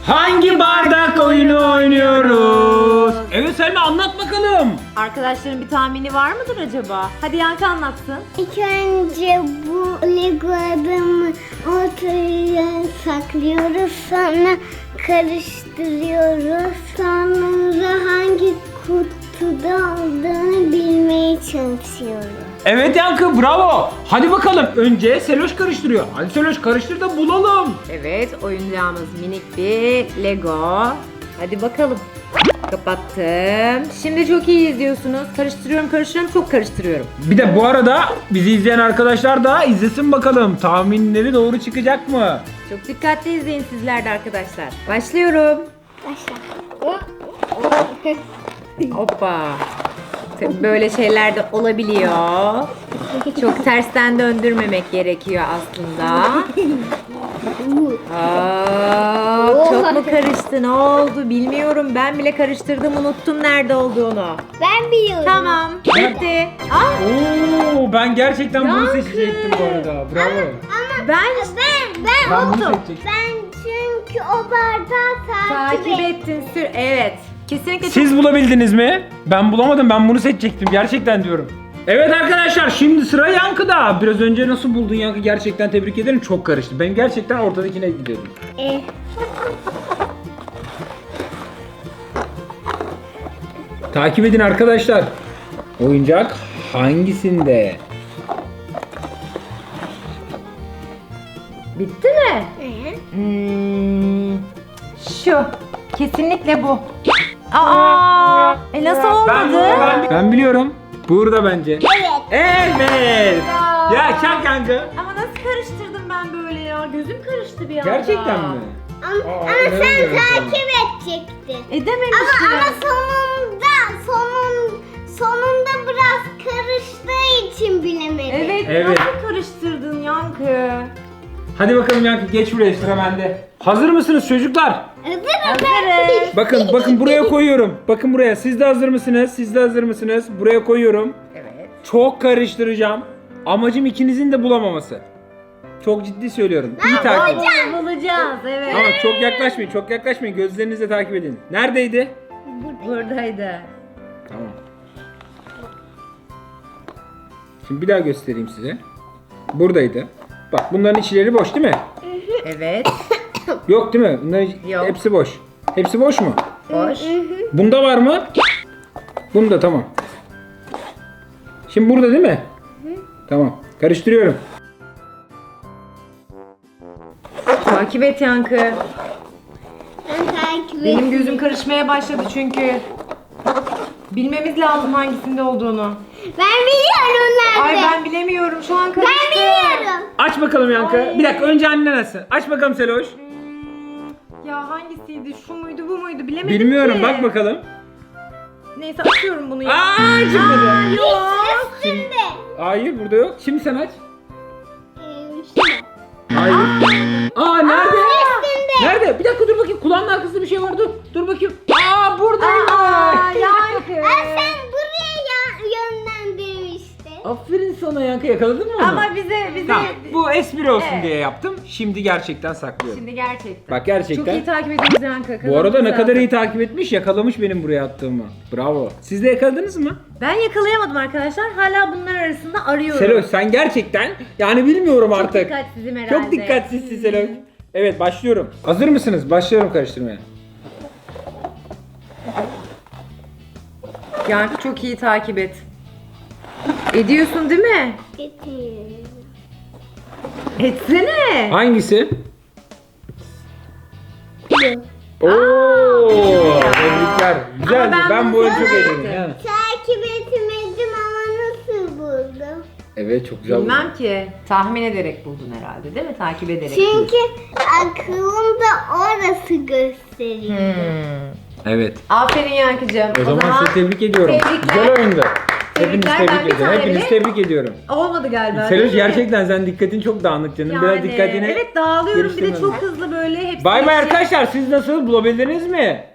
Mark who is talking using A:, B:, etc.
A: Hangi bardak oyunu oynuyoruz? Evet Selma, anlat bakalım.
B: Arkadaşların bir tahmini var mıdır acaba? Hadi Yankı anlatsın.
C: İlk önce bu Lego adamı ortaya saklıyoruz. Sonra karıştırıyoruz. Sonra hangi kutuda olduğunu bilmeye çalışıyoruz.
A: Evet Yankı, bravo. Hadi bakalım, önce Seloş karıştırıyor. Hadi Seloş karıştır da bulalım.
B: Evet, oyuncağımız minik bir Lego. Hadi bakalım. Kapattım. Şimdi çok iyi izliyorsunuz. Karıştırıyorum, çok karıştırıyorum.
A: Bir de bu arada bizi izleyen arkadaşlar da izlesin bakalım. Tahminleri doğru çıkacak mı?
B: Çok dikkatli izleyin sizler de arkadaşlar. Başlıyorum.
C: Başla.
B: Hoppa. Tabii böyle şeyler de olabiliyor. Çok tersten döndürmemek gerekiyor aslında. Çok mu karıştı? Ne oldu? Bilmiyorum. Ben bile karıştırdım, unuttum nerede olduğunu.
C: Ben biliyorum.
B: Tamam. Bitti.
A: Oo, ben gerçekten bunu
B: Yankı.
A: seçecektim bu arada. Bravo.
C: Ama
B: Ben
A: Ben bunu
B: unuttum.
A: seçecektim.
C: ben çünkü o bardağı
B: Takip ettin sür. Evet. Kesinlikle
A: Siz bulabildiniz mi? Ben bulamadım. Ben bunu seçecektim. Gerçekten diyorum. Evet arkadaşlar, şimdi sıra Yankı'da. Biraz önce nasıl buldun Yankı? Gerçekten tebrik ederim. Çok karıştı. Ben gerçekten ortadakine gidiyorum. Takip edin arkadaşlar. Oyuncak hangisinde?
B: bitti mi? Şu. Kesinlikle bu. Aa! Nasıl olmadı?
A: Ben biliyorum. Burada bence.
C: Evet.
A: Evet.
B: Ya.
A: Ya çak Yankı.
B: Ama nasıl karıştırdım ben böyle ya? Gözüm karıştı bir anda.
A: Gerçekten mi?
C: Ama sen
A: inanamıyorum sana.
C: takip edecektin.
B: Edememiştim.
C: Ama sonunda biraz karıştığı için bilemedim.
B: Evet,
A: Evet.
B: nasıl karıştırdın Yankı?
A: Hadi bakalım Yankı, geç buraya, sıra bende. Hazır mısınız çocuklar?
B: Hazırız.
A: Bakın buraya koyuyorum. Bakın buraya. Siz de hazır mısınız? Siz de hazır mısınız? Buraya koyuyorum.
B: Evet.
A: Çok karıştıracağım. Amacım ikinizin de bulamaması. Çok ciddi söylüyorum. İyi takip edin.
B: Bulacağız, evet.
A: Ama çok yaklaşmayın. Çok yaklaşmayın. Gözlerinizle takip edin. Neredeydi?
B: Buradaydı.
A: Tamam. Şimdi bir daha göstereyim size. Buradaydı. Bak, bunların içleri boş değil mi?
B: Evet.
A: Yok değil mi? Bunların
B: Yok.
A: hepsi boş. Hepsi boş mu?
B: Boş.
A: Bunda var mı? Bunda, tamam. Şimdi burada değil mi? Tamam. Karıştırıyorum.
B: Takip et Yankı.
C: Ben takip
B: Benim gözüm karışmaya başladı çünkü. Bilmemiz lazım hangisinde olduğunu.
C: Ben biliyorum nerede.
B: Ay ben bilemiyorum. Şu an karıştı.
C: Ben biliyorum.
A: Aç bakalım Yankı.
B: Ay.
A: Bir dakika, önce annen açsın. Aç bakalım Seloş.
B: Ya hangisiydi? Şu muydu, bu muydu? Bilemedim
A: Bilmiyorum,
B: ki.
A: bak bakalım.
B: Neyse açıyorum bunu ya.
A: Aa, çıkmadı.
B: Yok.
C: Üstünde.
A: Hayır, burada yok. Şimdi sen aç.
C: Şurada.
A: Hayır. Aa, nerede?
C: Üstünde.
A: Nerede? Bir dakika, dur bakayım. Kulağının arkasında bir şey var. Dur bakayım. Aa, buradaymış.
B: Aa, Yankı.
C: Sen buraya yönlendirmiştin.
A: Aferin sana Yankı, yakaladın mı onu?
B: Ama bize
A: Tamam, bu espri olsun
B: Evet.
A: diye yaptım. Şimdi gerçekten saklıyorum.
B: Şimdi gerçekten.
A: Bak, gerçekten.
B: Çok iyi takip ediyoruz Yankı.
A: Bu arada ne
B: Kazanmamız
A: kadar
B: lazım.
A: iyi takip etmiş, yakalamış benim buraya attığımı. Bravo. Siz de yakaladınız mı?
B: Ben yakalayamadım arkadaşlar. Hala bunlar arasında arıyorum.
A: Seloş, sen gerçekten yani bilmiyorum
B: Çok
A: artık.
B: dikkatsizim herhalde.
A: Çok dikkatsizsin Seloş. Evet, başlıyorum. Hazır mısınız? Başlıyorum karıştırmaya.
B: Yankı çok iyi takip et. Ediyorsun değil mi? Etsene.
A: Hangisi? Oo, tebrikler. Güzeldi.
B: ben
A: Ben
B: bunu
A: bu oyunu çok
B: sevmedim.
A: eğlendim. Ha.
C: Takip etmedim ama nasıl buldum?
A: Evet, çok güzel.
B: Bilmem ki. Tahmin ederek buldun herhalde değil mi? Takip ederek.
C: Çünkü aklımda orası gösteriyor.
A: Evet.
B: Aferin Yankıcığım.
A: O zaman sizi tebrik ediyorum.
B: Tebrikler.
A: Güzel oyundu. Hepinizi
B: Tebrikler, ben
A: tebrik
B: bir
A: ediyorum.
B: tane
A: Hepinizi
B: bile-
A: tebrik ediyorum.
B: Olmadı galiba.
A: Seloş,
B: değil mi?
A: gerçekten sen dikkatin çok dağınık canım. Biraz dikkatini
B: Evet, dağılıyorum. Bir de
A: geliştirmem
B: çok
A: lazım.
B: hızlı böyle hepsi.
A: Bay bay arkadaşlar, siz nasıl, bulabildiniz mi?